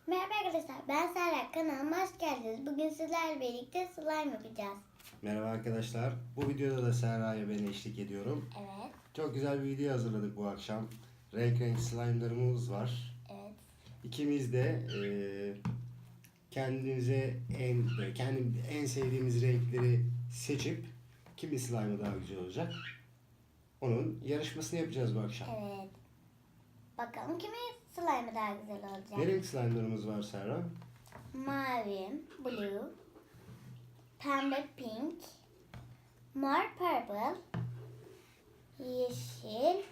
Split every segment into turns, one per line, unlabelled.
Merhaba arkadaşlar, ben Serra. Kanalıma hoş geldiniz. Bugün sizlerle birlikte slime yapacağız.
Merhaba arkadaşlar. Bu videoda da Serra'ya ben eşlik ediyorum.
Evet.
Çok güzel bir video hazırladık bu akşam. Renk renk slime'larımız var.
Evet.
İkimiz de kendimize en sevdiğimiz renkleri seçip kimin slime'ı daha güzel olacak onun yarışmasını yapacağız bu akşam.
Evet. Bakalım kimin slime'ı daha güzel olacak?
Ne renk slime'larımız var Serra?
Mavi, blue, pembe, pink, mor, purple, yeşil,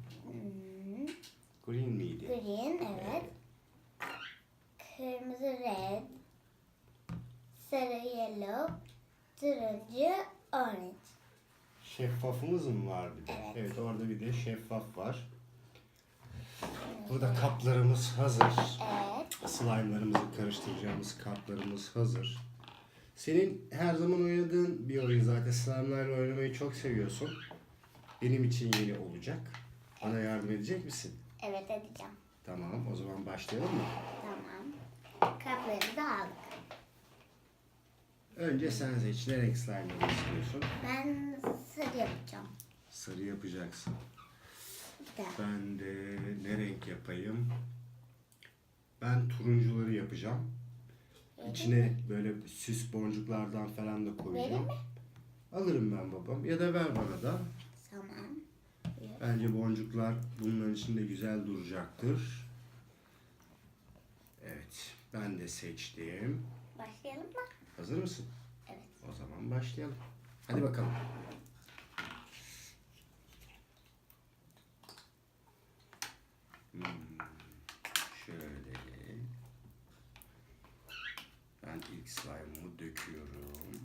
Green miydi?
green, evet. Kırmızı, red, sarı, yellow, turuncu, orange.
Şeffafımız mı var bir de?
Evet.
Evet, orada bir de şeffaf var. Burada kaplarımız hazır.
Evet.
Slime'larımızı karıştıracağımız kaplarımız hazır. Senin her zaman oynadığın bir oyun zaten. Slime'larla oynamayı çok seviyorsun. Benim için yeni olacak. Bana yardım edecek misin?
Evet, edeceğim.
Tamam, o zaman başlayalım mı?
Tamam. Kapları da aldık.
Önce sen seç. Ne renk slime'ları istiyorsun?
Ben sarı yapacağım.
Sarı yapacaksın.
Bir dakika.
Ben de ne renk yapayım? Ben turuncuları yapacağım. İçine böyle süs boncuklardan falan da koyacağım.
Vereyim mi?
Alırım ben babam. Ya da ver bana da.
Tamam.
Bence boncuklar bunların içinde güzel duracaktır. Evet. Ben de seçtim.
Başlayalım mı?
Hazır mısın?
Evet.
O zaman başlayalım. Hadi bakalım. Hmm, şöyle. Ben ilk slime'ımı döküyorum.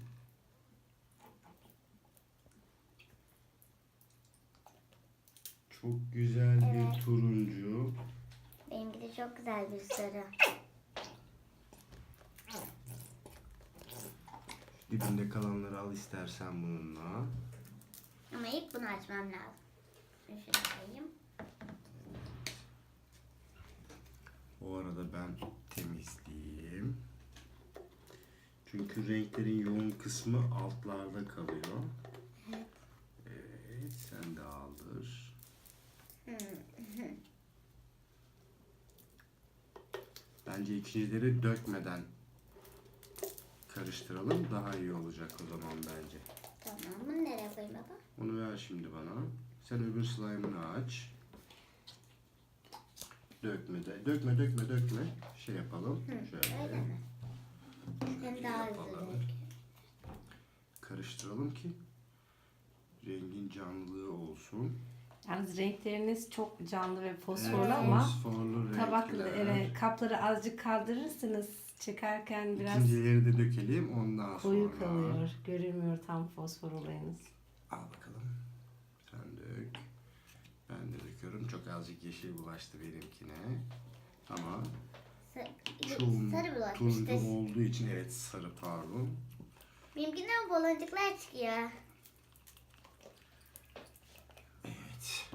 Çok güzel
Evet.
bir turuncu.
Benimki de çok güzel bir sarı.
Dibinde kalanları al istersen bununla.
Ama ilk bunu açmam lazım. Şunu şuraya koyayım.
O arada ben temizleyeyim. Çünkü renklerin yoğun kısmı altlarda kalıyor. Evet, sen de aldır. Bence ikincileri dökmeden karıştıralım. Daha iyi olacak o zaman bence.
Tamam. Bunu nereye koyayım baba?
Onu ver şimdi bana. Sen öbür slime'ını aç. Dökme. Şey yapalım. Şöyle.
Öyle mi? Hem daha hızlı
yapalım.
dök.
Karıştıralım ki rengin canlılığı olsun.
Yalnız renkleriniz çok canlı ve fosforlu
Evet,
ama
fosforlu
tabaklı,
renkler.
kapları azıcık kaldırırsınız. Çekerken biraz
İkincileri de dökelim ondan
koyu
sonra.
kalıyor. Görünmüyor tam fosfor olayınız.
Al bakalım. Sen dök. Ben de döküyorum. Çok azıcık yeşil bulaştı benimkine. Ama çoğun
Sarı
turuncu
bulaşmıştı.
olduğu için evet sarı pardon.
Benimkinden baloncuklar çıkıyor.
Evet.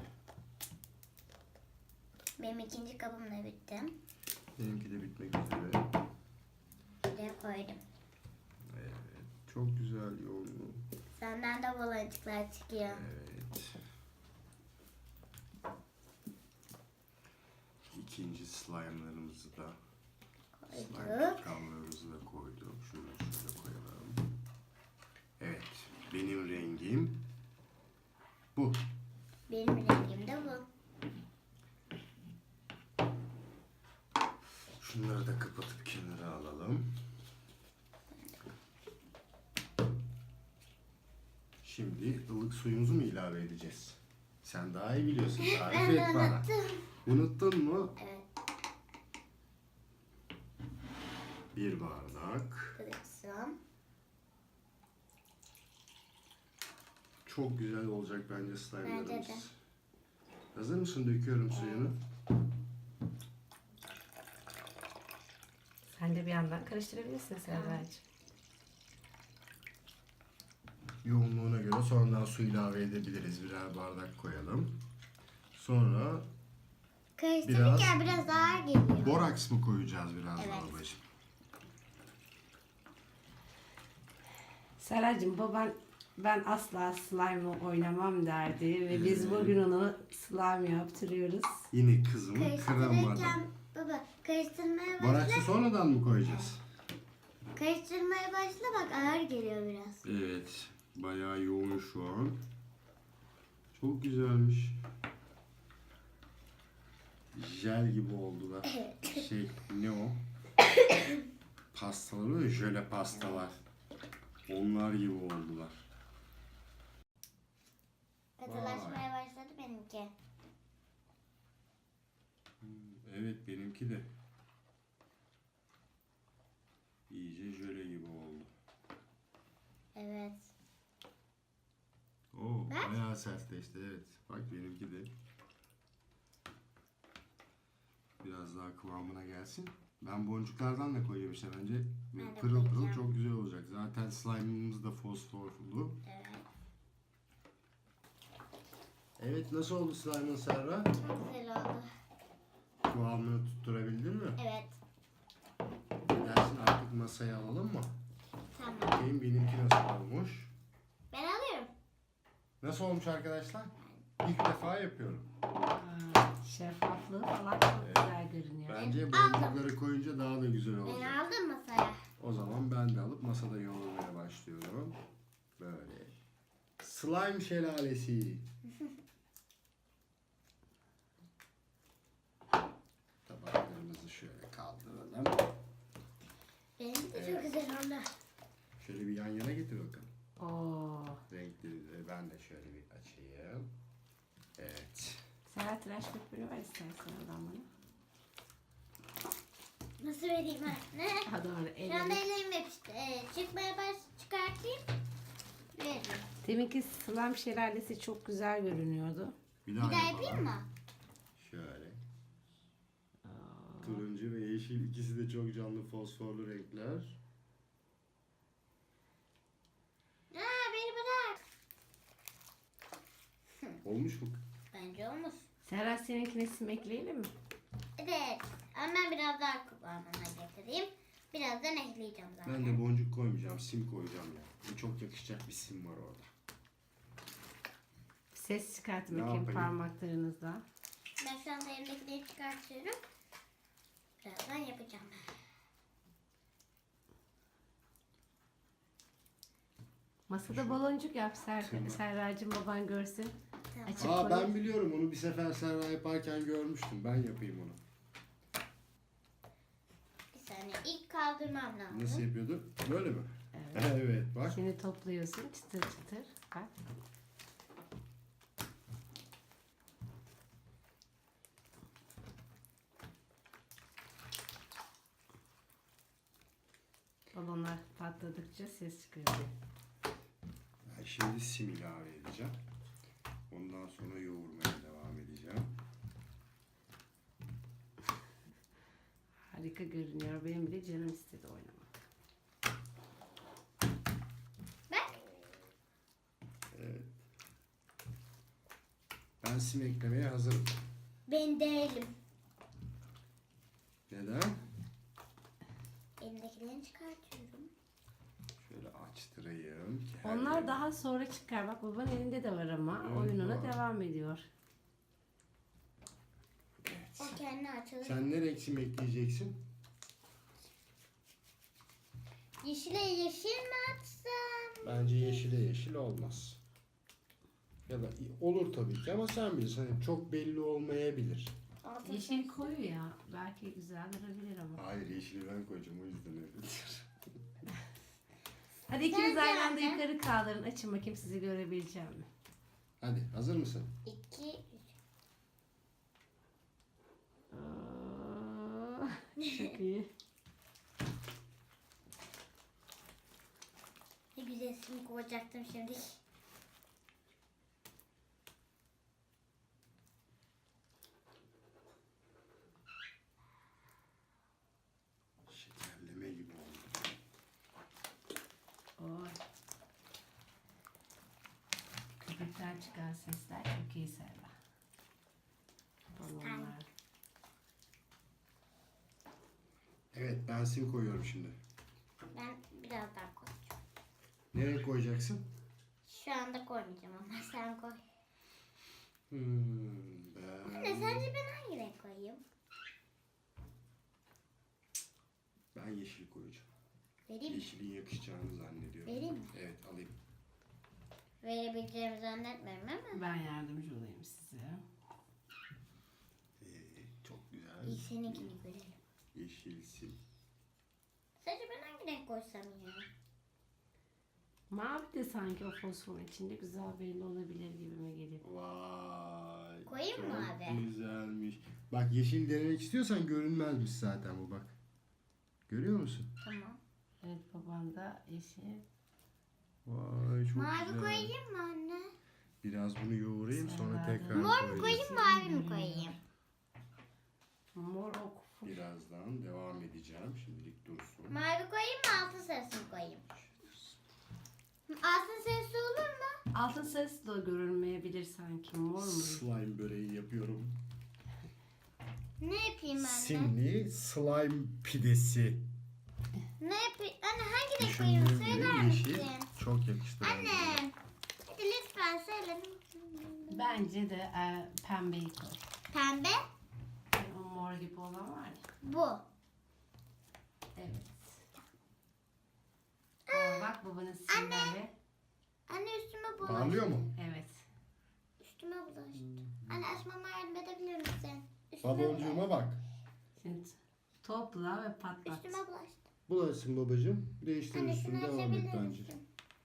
Benim ikinci kabım da bitti.
Benimki de bitmek üzere.
Şuraya koydum.
Evet. Çok güzel yoğunluğu.
Senden de baloncuklar çıkıyor.
Evet. İkinci slime'larımızı da slime
Koyduk.
kallarımızı da koyduk. Şunu şöyle koyalım. Evet. Benim rengim bu.
Benim rengim de bu.
Şunları da kapatıp kenara alalım. Şimdi ılık suyumuzu mu ilave edeceğiz? Sen daha iyi biliyorsun. Tarif
Ben de
et bana.
unuttum.
Unuttun mu?
Evet.
Bir bardak.
Kırıksın.
Çok güzel olacak bence
Bence de.
slime'larımız. Hazır mısın? Döküyorum suyunu.
Sen de bir yandan karıştırabilirsin Serracığım.
Yoğunluğuna göre sonradan su ilave edebiliriz. Birer bardak koyalım. Sonra
Karıştırırken biraz ağır geliyor.
Boraks mı koyacağız biraz
Evet.
daha babacığım?
Seracığım baban ben asla slime oynamam derdi ve biz bugün onu slime yaptırıyoruz.
Yine kızımı kıramadım.
Karıştırırken baba karıştırmaya başla.
Boraksı sonradan mı koyacağız?
Karıştırmaya başla bak ağır geliyor biraz.
Evet. Bayağı yoğun şu an. Çok güzelmiş. Jel gibi oldular. Şey ne o? Pastalar oluyor ya, jöle pastalar. Onlar gibi oldular.
Katılaşmaya başladı benimki.
Evet benimki de. İyice jöle gibi oldu.
Evet.
Oo,
Bak.
bayağı sertleşti evet. Bak benimki de. Biraz daha kıvamına gelsin. Ben boncuklardan da koyuyorum işte bence.
Ben de
Pırıl pırıl
koyacağım.
çok güzel olacak. Zaten slime'ımız da fosforlu.
Evet.
Evet nasıl oldu slime'ın Serra?
Çok güzel oldu.
Kıvamını tutturabildin mi?
Evet.
Ne dersin artık masaya alalım mı?
Tamam.
Bakayım benimki nasıl olmuş.
Ben alıyorum.
Nasıl olmuş arkadaşlar? İlk defa yapıyorum.
Şeffaflığı falan çok güzel görünüyor.
Bence
aldım.
boncukları koyunca daha da güzel
Ben
olacak.
aldım masaya.
O zaman ben de alıp masada yoğurmaya başlıyorum. Böyle. Slime şelalesi. Tabaklarımızı şöyle kaldıralım.
Benim de çok güzel oldu.
Şöyle bir yan yana getir bakalım.
Oo.
Renkleri de ben de şöyle bir açayım. Evet.
Serhat tıraş köpüğünü ver istersen oradan bana.
Nasıl vereyim anne?
Ha doğru
Şu anda
elini.
ellerim yapıştı. Çıkmaya çıkartayım. Veririm.
Deminki slime şelalesi çok güzel görünüyordu.
Bir
Bir
daha,
daha yapayım mı?
Şöyle. Turuncu ve yeşil ikisi de çok canlı fosforlu renkler.
Beni bırak.
Olmuş mu?
Bence olmuş.
Serhat seninkine sim ekleyelim mi?
Evet. Ama ben biraz daha kıvamına getireyim. Birazdan ekleyeceğim zaten.
Ben de boncuk koymayacağım, sim koyacağım ya. Bu çok yakışacak bir sim var orada.
Ses çıkartın
Ne
bakayım
yapayım?
parmaklarınızla.
Ben şu anda elimdekileri çıkartıyorum. Birazdan yapacağım.
Masada baloncuk yap Serracığım baban görsün.
Tamam.
Açık
Aa
koy.
ben biliyorum onu bir sefer Serra yaparken görmüştüm. Ben yapayım onu.
Bir saniye. İlk kaldırmam lazım.
Nasıl yapıyordu? Böyle mi?
Evet.
Evet bak.
Şimdi topluyorsun çıtır çıtır. Bak. Balonlar patladıkça ses çıkarıyor.
Ben şimdi sim ilave edeceğim. Ondan sonra yoğurmaya devam edeceğim.
Harika görünüyor. Benim bile canım istedi oynamak.
Bak.
Evet. Ben sim eklemeye hazırım.
Ben değilim.
Neden?
Elimdekilerini çıkartıyorum.
Şöyle açtırayım. ki her
Onlar
yeri-
daha sonra çıkar. Bak babanın elinde de var ama
Evet,
oyununa
var.
devam ediyor.
O kendi açılır.
Sen ne renk sim ekleyeceksin?
Yeşile yeşil mi atsam?
Bence yeşile yeşil olmaz. Ya da olur tabii ki ama sen bilirsin. Hani çok belli olmayabilir.
Altın
Yeşil koyu ya. Belki güzel durabilir ama.
Hayır yeşili ben koyacağım o yüzden öyle diyor.
Hadi ikiniz
Ben
aynı anda
zaten-
yukarı kaldırın. Açın bakayım sizi görebileceğim mi?
Hadi hazır mısın?
2, 3.
Aa, çok iyi.
Ne güzel sim koyacaktım şimdi.
Şekerleme gibi oldu.
Oy. Köpükten çıkan sesler çok iyi Serra. Balonlar.
Evet, ben sim koyuyorum şimdi.
Ben biraz daha koyacağım.
Nereye koyacaksın?
Şu anda koymayacağım ama sen koy. Anne
Ben
sence ben hangi renk koyayım?
yeşil koyacağım.
Vereyim mi?
Yeşilin yakışacağını zannediyorum.
Vereyim mi?
Evet, alayım.
Verebileceğimi zannetmiyorum ama.
Ben yardımcı olayım size.
Çok güzel.
İyi seninkini görelim.
Yeşil sim.
Sence ben hangi renk koysam ya?
Mavi de sanki o fosforun içinde güzel belli olabilir gibime geliyor.
Vay.
Koyayım mı
çok
abi?
güzelmiş. Bak yeşil denemek istiyorsan görünmezmiş zaten bu bak. Görüyor musun?
Tamam.
Evet, baban da yeşil.
Vay çok
Mavi
güzel.
koyayım mı anne?
Biraz bunu yoğurayım sonra
Sen
tekrar
Mor mu
koyacağız.
koyayım mavi mi koyayım?
Mor ok.
Birazdan devam edeceğim. Şimdilik dursun.
Mavi koyayım mı altın sarısı mı koyayım? Altın sarısı olur mu?
Altın sarısı da görünmeyebilir sanki. Mor mu?
Slime böreği yapıyorum.
Ne yapayım anne?
Simli slime pidesi.
Ne yapayım? Anne hangi renk koyayım?
Düşündüğüm
Söyler
gibi yeşil
misin?
çok yakıştı. bence.
Anne. Hadi lütfen söyle.
Bence de pembeyi koy.
Pembe.
Yani o mor gibi olan var ya.
Bu.
Evet. Aa, bak babanın simleri.
Anne üstüme bulaştı.
Parlıyor mu?
Evet.
Üstüme bulaştı. Anne açmama yardım edebilir misin?
Baloncuğuma bak.
Şimdi topla ve patlat.
Üstüme bulaştı.
Bulaşsın babacığım. Değiştir
Anne
üstünü
şunu
devam et
açabilir
bence.
misin?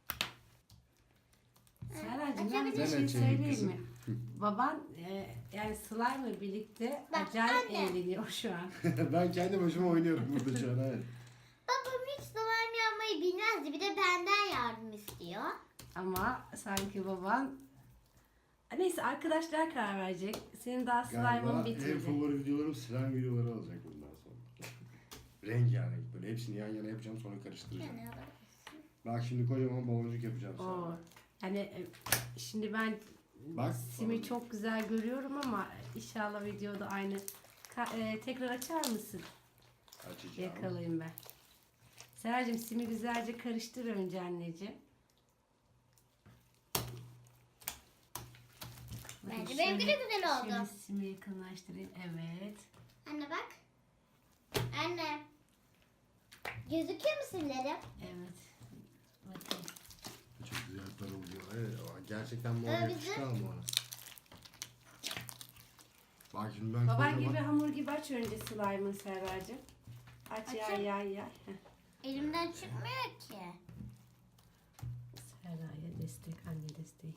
Serracığım ben bir
Açabilir
şey
misin?
söyleyeyim
Kızım.
mi? Baban yani slime'la birlikte
Bak,
acayip
anne.
eğleniyor şu an.
Ben kendi başıma oynuyorum burada şu an. Evet.
Babam hiç slime yapmayı bilmezdi. Bir de benden yardım istiyor.
Ama sanki baban... Neyse, arkadaşlar karar verecek. Senin daha
Galiba
slime'ın
en
bitirdi.
favori videolarım slime videoları olacak bundan sonra. Rengarenk böyle hepsini yan yana yapacağım sonra karıştıracağım.
Yani
Bak şimdi kocaman baloncuk yapacağım
Oo.
sana.
Yani şimdi ben
Bak.
simi
baloncuk.
çok güzel görüyorum ama inşallah videoda aynı. Tekrar açar mısın?
Açacağım.
Yakalayayım ben. Seracığım simi güzelce karıştır önce anneciğim. Bakın
Bence benimki de
şöyle-
güzel oldu.
Şöyle simi yakınlaştırayım. Evet.
Anne bak. Anne. Gözüküyor mu simlerim?
Evet. Bakın.
Çok güzel parılıyor. Evet, ama gerçekten mor
Bizim-
yakıştı ama ona. Bak şimdi ben
Baban
kocaman-
gibi hamur gibi aç önce slime'ın Serracığım. Aç yay
Açayım.
yay yay. Heh.
Elimden çıkmıyor ki.
Serra'ya destek, anne desteği.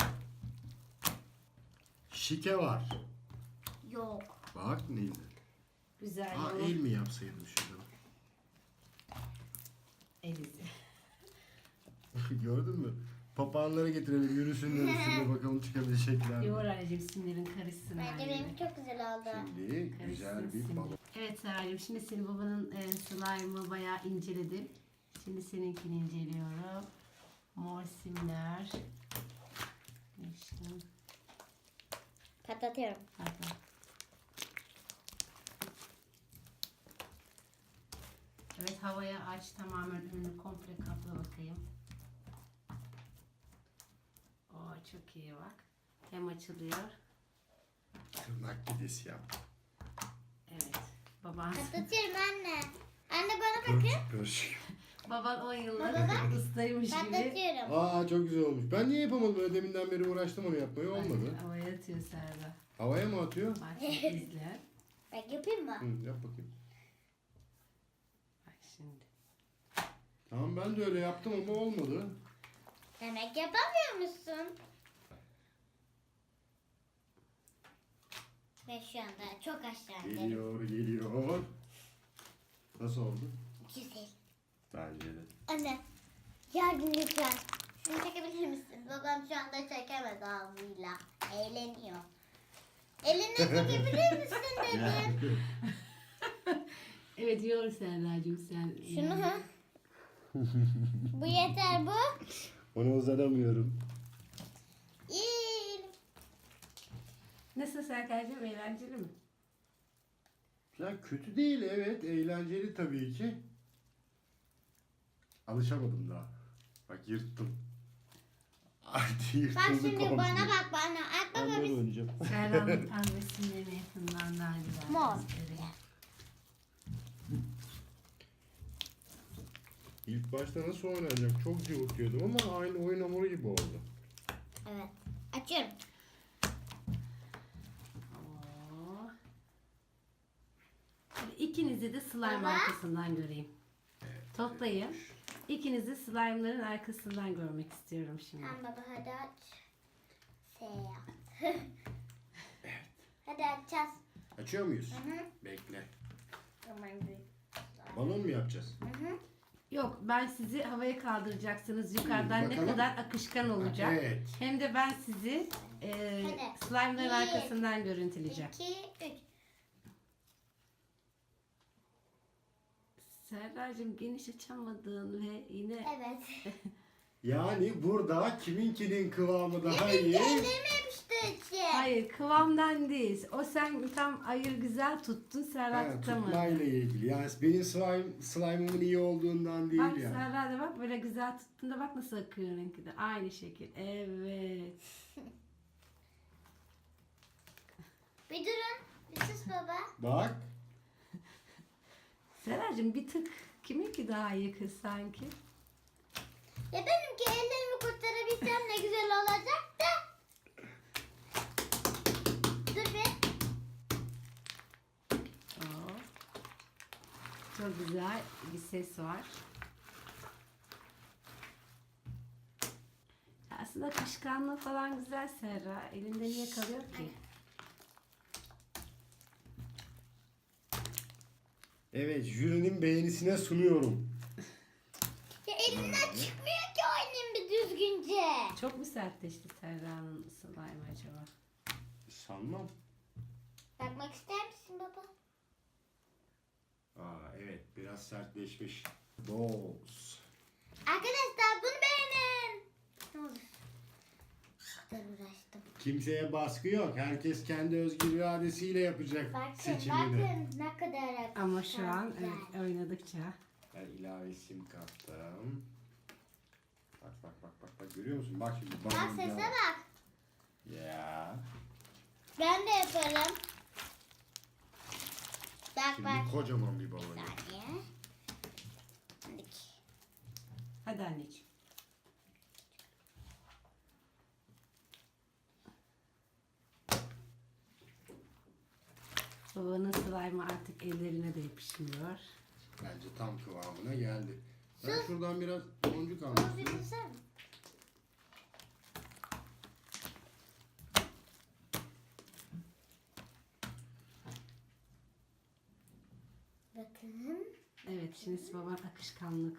Şike var.
Yok.
Bak ne güzel.
Güzel
Aa
yoğun.
el mi yapsaydım şurada?
Elizi.
Gördün mü? Papağanlara getirelim yürüsünler üstünde bakalım çıkabilecekler
Yoğur
mi?
anneciğim simlerin karışsın.
Bence
her
benimki
yere.
çok güzel oldu.
Şimdi güzel
Karışsın
bir
simler.
balon.
Evet Serracığım, şimdi senin babanın slime'ı bayağı inceledim. Şimdi seninkini inceliyorum. Mor simler. Yeşil.
Patlatıyorum.
Pardon. Evet, havaya aç, tamamen önünü komple kapla bakayım. Oo, çok iyi bak. Hem açılıyor.
Tırnak pidesi yap.
Evet. Baban,
Patlatıyorum anne. Anne bana bakın.
Karışık.
baban 10 yıllık
Baba bak.
ustaymış gibi.
Patlatıyorum.
Aa çok güzel olmuş. Ben niye yapamadım? Böyle deminden beri uğraştım onu yapmaya olmadı.
Havaya atıyor Serra.
Havaya mı atıyor?
Bak şimdi izle.
Bak yapayım mı?
Hı, yap bakayım.
Bak şimdi.
Tamam ben de öyle yaptım ama olmadı.
Demek yapamıyor musun? Ve şu anda çok aşağıdayım.
Geliyor. Nasıl oldu?
Güzel.
Bence de.
Anne yardım lütfen. Şunu çekebilir misin? Babam şu anda çekemez ağzıyla. Eğleniyor. Eline çekebilir misin dedim.
Evet, yoğur Serracığım sen.
Şunu. Bu yeter bu.
Onu uzanamıyorum.
İyi.
Nasıl Serracığım, eğlenceli mi?
Ya kötü değil, evet, eğlenceli tabii ki. Alışamadım daha. Bak yırttım. Hadi yırtıldı
Bak şimdi
komple.
bana bak bana. At
Ben
baba
böyle
bir.
oynayacağım.
Serra'nın pembesinden yakından daha güzel.
Mor.
göstereyim.
İlk başta nasıl oynanacak çok cıvıtıyordum ama aynı oyun hamuru gibi oldu.
Evet. Açıyorum.
Oo. Şimdi İkinizi de slime
Baba.
arkasından göreyim. Toplayın. İkinizi slime'ların arkasından görmek istiyorum şimdi.
Tamam baba hadi aç. Yap. Hadi açacağız.
Açıyor muyuz?
Hı hı.
Bekle.
Aman büyük.
Balon mu yapacağız?
Hı hı.
Yok, ben sizi havaya kaldıracaksınız. Yukarıdan ne
bakalım.
kadar akışkan olacak.
Evet.
Hem de ben sizi
Hadi.
slime'ların
Bir,
arkasından görüntüleyeceğim.
2, 3.
Serracığım geniş açamadın ve yine
Evet.
Yani burada kiminkinin kıvamı daha iyi.
Ellerime yapıştı içi.
hayır, kıvamdan değil. O sen tam ayır güzel tuttun, Serra
Ha,
tutamadı.
tutmayla ilgili. Yani benim slime'ımın iyi olduğundan değil
Bak
yani.
Serra da bak böyle güzel tuttun da bak nasıl akıyor rengi de. Aynı şekil. Evet.
Bir durun. Bir sus baba.
Bak.
Serracığım bir tık kiminki daha iyi kız sanki?
Ya benimki ellerimi kurtarabilsem ne güzel olacak da. Dur bir.
Oo. Çok güzel bir ses var. Aslında akışkanlığı falan güzel Serra. Elinde niye kalıyor ki?
Evet, jürinin beğenisine sunuyorum.
Ya elimden çıkmıyor ki oynayayım bir düzgünce.
Çok mu sertleşti Serra'nın slime acaba?
Sanmam.
Bakmak ister misin baba?
Aa evet, biraz sertleşmiş. Boz.
Arkadaşlar bunu beğenin. Ne olur. Ben uğraştım.
Kimseye baskı yok. Herkes kendi özgür iradesiyle yapacak
Bakın
seçimini.
bakın ne kadar akışkan.
Ama şu an
güzel.
evet, oynadıkça.
Ben ilave sim kattım. Bak bak bak bak bak görüyor musun? Bak şimdi.
Bak
balon
sese
ya.
bak.
Ya.
Ben de yaparım. Bak
Şimdi
bak.
kocaman bir balon.
Bir
yap.
saniye. Şimdi.
Hadi anneciğim. Babanın slime'ı artık ellerine de yapışmıyor.
Bence tam kıvamına geldi. Ben şuradan biraz boncuk almak
Onu bir
istiyorum.
tutsana. Bakın.
Evet, şimdi baban akışkanlık.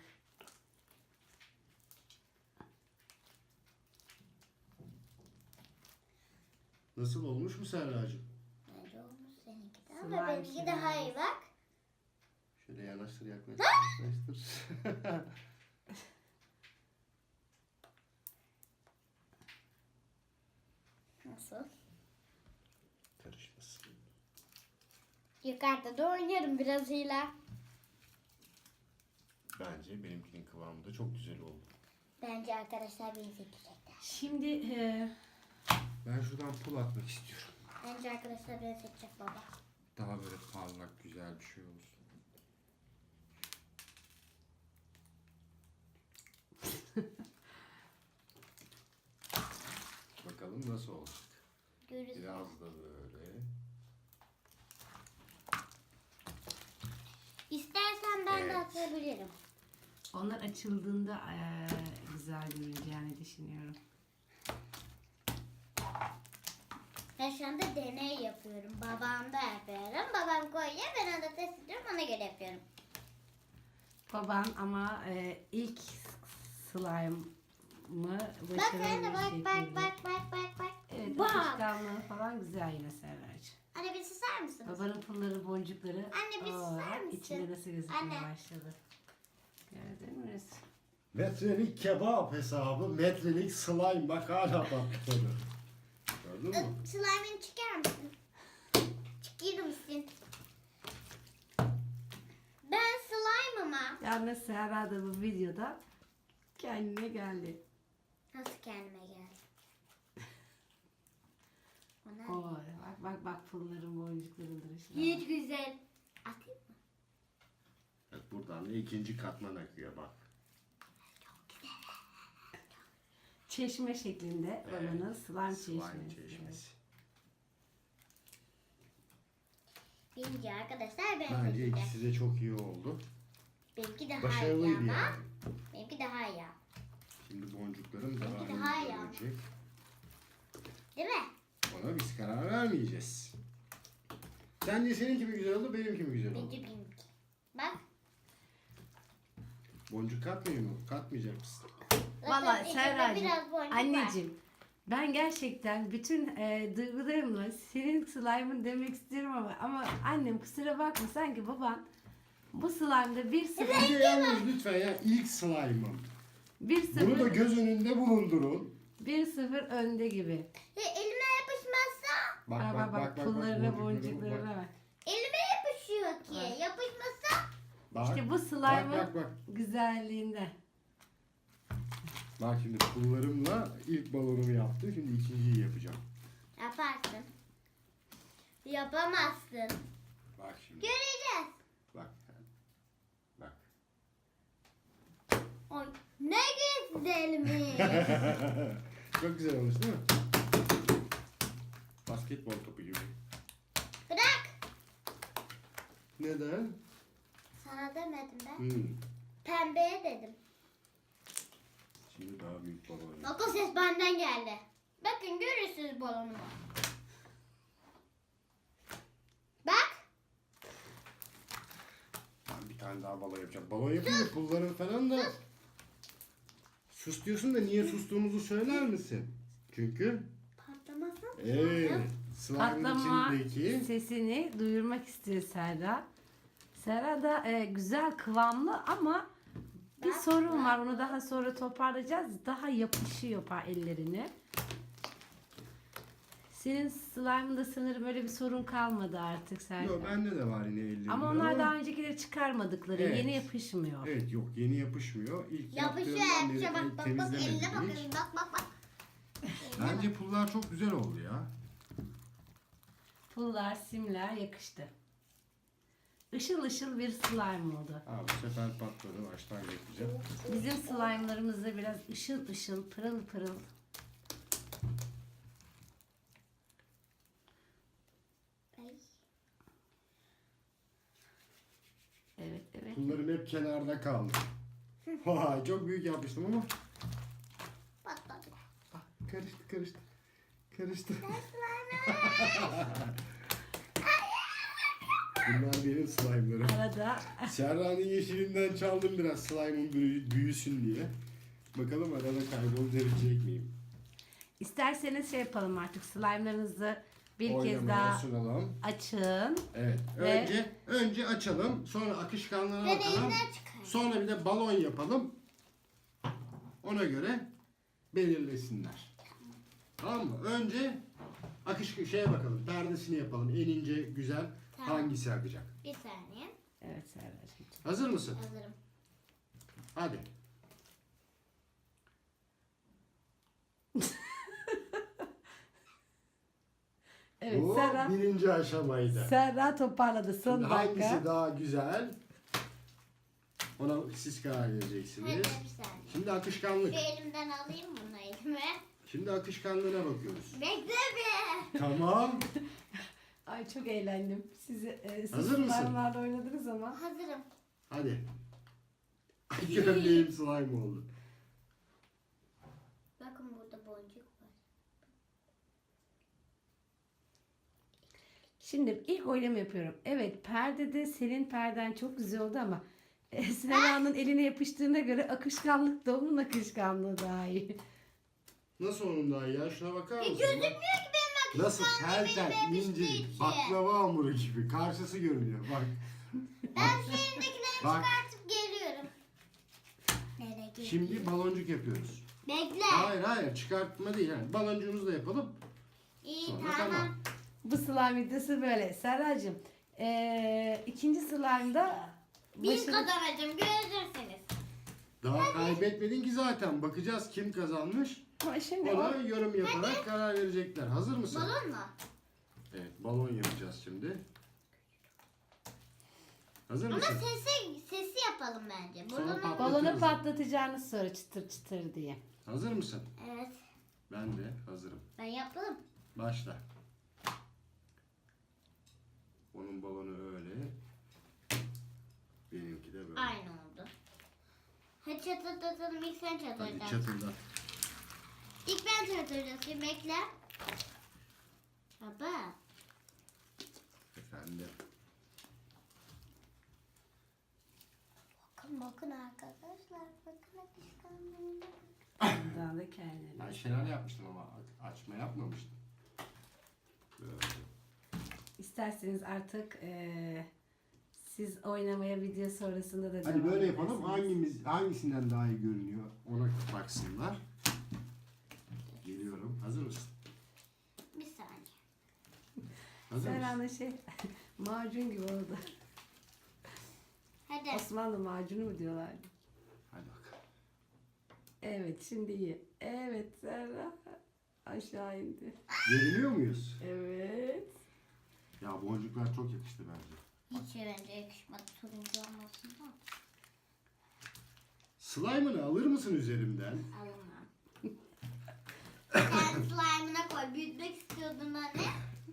Nasıl olmuş mu Serracığım?
Bence olmuş seninki de
Slime
ama benimki daha iyi bak.
Şöyle yanaştır yaklaştır.
Nasıl?
Karışmasın.
Yukarıda da oynarım biraz hile.
Bence benimkinin kıvamı da çok güzel oldu.
Bence arkadaşlar beni seçecekler.
Şimdi
Ben şuradan pul atmak istiyorum.
Bence arkadaşlar beni seçecek baba.
Daha böyle parlak güzel bir şey olsun. Bakalım nasıl olacak.
Görürüz.
Biraz da böyle.
İstersen ben de
Evet.
atabilirim.
onlar açıldığında güzel görüneceğini düşünüyorum.
Ben şu anda deney yapıyorum. Babam da yapıyorum. Babam koyuyor. Ben onu da test ediyorum. Ona göre yapıyorum.
Baban ama ilk slime'ı
Bak
başarılı
anne
bir
bak
şekilde.
bak bak bak bak bak.
Evet,
Bak.
akışkanlığı falan güzel yine Serracığım.
Anne bir susar mısınız?
Babanın pulları, boncukları
Anne, bir susar mısın?
içinde nasıl gözükmeye
Anne.
başladı. Gördün mü?
Metrelik kebap hesabı, metrelik slime bak hala patladı. Gördün mü?
Slime'ını çıkar mısın? Çıkıyor musun?
Yalnız Serra da bu videoda kendine geldi.
Nasıl kendime geldi? Ona
Oy, bak pulların boncukların duruşuna.
hiç güzel. Atayım mı?
Evet, buradan da ikinci katman akıyor bak.
Çeşme şeklinde olanın slime
Slime
çeşmesi.
çeşmesi.
Birinci arkadaşlar ben
Bence
seçeceğim.
ikisi de çok iyi oldu.
Benimki daha iyi
Başarılıydı
ama.
yani.
Benimki daha iyi.
Şimdi boncuklarım
Benimki
daha
daha
iyi
iyi ama.
olacak.
Değil mi?
Ona biz karar vermeyeceğiz. Sence seninki mi güzel oldu, benimki mi güzel oldu?
Bence benimki. Bak.
Boncuk katmıyor mu? Katmayacak mısın?
Zaten
Vallahi
içinde
Serracığım,
biraz boncuk var.
anneciğim ben gerçekten bütün duygularımla senin slime'ın demek istiyorum ama annem kusura bakma sanki baban bu slime'da 1-0
Bir de yalnız lütfen ya ilk slime'ım.
1-0
Bunu da göz önünde bulundurun.
1-0 önde gibi.
Elime yapışmazsa
Bak pullarına boncuklarına bak.
elime yapışıyor ki. Yapışmazsa
Bak.
İşte bu
Bak
slime'ın
bak.
güzelliğinde.
Bak şimdi pullarımla ilk balonumu yaptım. Şimdi ikinciyi yapacağım.
yaparsın. Yapamazsın.
Bak şimdi.
Göreceğiz.
Bak. Bak.
Oy, ne güzelmiş.
Çok güzel olmuş değil mi? Basketbol topu gibi.
Bırak.
Neden?
Sana demedim ben.
Pembeye
dedim.
Şimdi daha büyük balon yap.
Bak o ses benden geldi. Bakın görürsünüz balonumu. Bak.
Ben bir tane daha balon yapacağım. Balon yapınca pulların falan da... Sus diyorsun da niye sustuğumuzu söyler misin? Çünkü...
Patlamasın.
Evet. Slime'ın
Patlama
içindeki...
sesini duyurmak istiyor Serra. Serra da güzel kıvamlı ama bir sorun var. Onu daha sonra toparlayacağız. Daha yapışıyor ellerine. Senin slime'ında sanırım öyle bir sorun kalmadı artık Serra.
Yok bende de var yine ellerimde.
Ama onlar daha öncekileri çıkarmadıkları.
Evet.
Yeni yapışmıyor.
Evet yok yeni yapışmıyor. İlk
Yapışıyor
yaptığımdan beri
yapışıyor. Bak bak bak
temizlemedim
eline bakın.
hiç.
Bak.
Bence pullar çok güzel oldu ya.
Pullar, simler yakıştı. Işıl ışıl bir slime oldu.
Aa, bu sefer patladı. Baştan yapacağım.
Bizim slime'larımız da biraz ışıl ışıl, pırıl pırıl. Evet.
Pullarım hep kenarda kaldı. Vay çok büyük yapmıştım ama.
Patladı.
Ah, karıştı. Bunlar benim slime'larım.
Arada
Serra'nın yeşilinden çaldım biraz slime'ın büyüsün diye. Bakalım arada kaybolabilecek miyim?
isterseniz şey yapalım artık slime'larınızı bir kez
Oynamaya
daha
sunalım.
açın.
Evet.
Ve-
Önce açalım. Sonra akışkanlığa
Ben
bakalım.
elimden çıkarım.
Sonra bir de balon yapalım. Ona göre belirlesinler. Tamam mı? Önce şeye bakalım. Perdesini yapalım. En ince güzel
Tamam.
hangisi akacak?
Bir saniye.
Evet Serracığım.
Hazır mısın?
Hazırım.
Hadi.
Evet
Bu
Serra,
birinci aşamaydı.
Serra toparladı son
Şimdi
dakika.
hangisi daha güzel? Ona siz karar
Hadi
vereceksiniz.
bir saniye.
Şimdi akışkanlık.
Şu elimden alayım bunu elime.
Şimdi akışkanlığına bakıyoruz.
Bekle bir.
Tamam.
Ay çok eğlendim. Siz
Hazır mısın?
slime'larla oynadınız ama.
Hazırım.
Hadi. Ay gömleğim slime oldu.
Bakın burada boncuk var.
Şimdi ilk oylama yapıyorum. Evet perdede senin perden çok güzel oldu ama Serra'nın eline yapıştığına göre akışkanlık da onun akışkanlığı daha iyi.
Nasıl onun daha iyi ya? Şuna bakar mısın?
Gözükmüyor ki benim
Nasıl tel tel
elime
ince
yapıştığı için.
baklava hamuru gibi karşısı görünüyor. Bak.
Ben şu elimdekileri
Bak.
çıkartıp geliyorum. Nereye gidiyor?
Şimdi baloncuk yapıyoruz.
Bekle.
Hayır çıkartma değil yani. Baloncuğumuzu da yapalım.
İyi
Sonra
tamam.
tamam.
Bu slime videosu böyle. Serracığım ikinci slime'da
Bin kazanacağım. Görürsün
Daha kaybetmedin ki zaten. Bakacağız kim kazanmış.
Ama şimdi
Ona yorum yaparak karar verecekler. Hazır mısın?
Balon mu?
Evet, balon yapacağız şimdi. Hazır
Ama
mısın?
sesi yapalım bence.
Sonra
Balonu.
patlat.
balonu patlatacağını sonra çıtır çıtır diye.
Hazır mısın?
Evet.
Ben de hazırım.
Ben yapalım.
Başla. Onun balonu öyle. Benimki de böyle.
Aynı oldu. Hadi çatırdatalım. İlk sen
Hadi
çatırdat.
çatırdat.
İlk ben çatırdatayım. Bekle. Baba.
Efendim.
Bakın arkadaşlar. Bakın akışkanlığına.
Daha da kendine.
Ben şelale yapmıştım ama açma yapmamıştım. Böyle.
İsterseniz artık siz oynamaya video sonrasında da
Hadi
devam
böyle yapalım.
edersiniz.
Hangisinden daha iyi görünüyor ona baksınlar. Geliyorum. Hazır mısın?
Bir saniye.
Hazır mısın?
Serhan'ın macun gibi oldu.
Hadi.
Osmanlı macunu mu diyorlardı?
Hadi bakalım.
Evet şimdi iyi. Evet Serhan aşağı indi.
Görünüyor muyuz?
Evet.
Ya boncuklar çok yakıştı bence.
Hiç bence yakışmadı. Turuncu olmasın da.
Slime'ını alır mısın üzerimden?
Alamam. Sen slime'ına koy. Büyütmek istiyordun anne.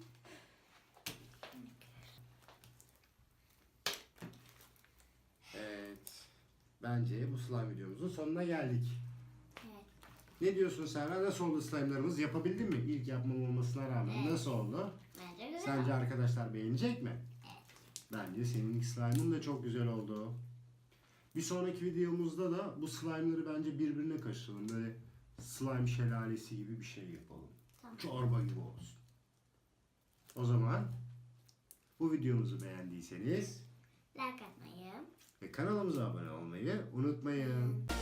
Evet. Bence bu slime videomuzun sonuna geldik.
Evet.
Ne diyorsun Serra? Nasıl oldu slime'larımız? Yapabildin mi? İlk yapmam olmasına rağmen
Evet.
nasıl oldu?
Bence güzel.
Sence arkadaşlar beğenecek mi? Bence senin ilk slime'ın da çok güzel oldu. Bir sonraki videomuzda da bu slime'ları bence birbirine karıştıralım. Böyle slime şelalesi gibi bir şey yapalım.
Tamam.
Çorba gibi olsun. O zaman bu videomuzu beğendiyseniz
Like atmayı.
ve kanalımıza abone olmayı unutmayın.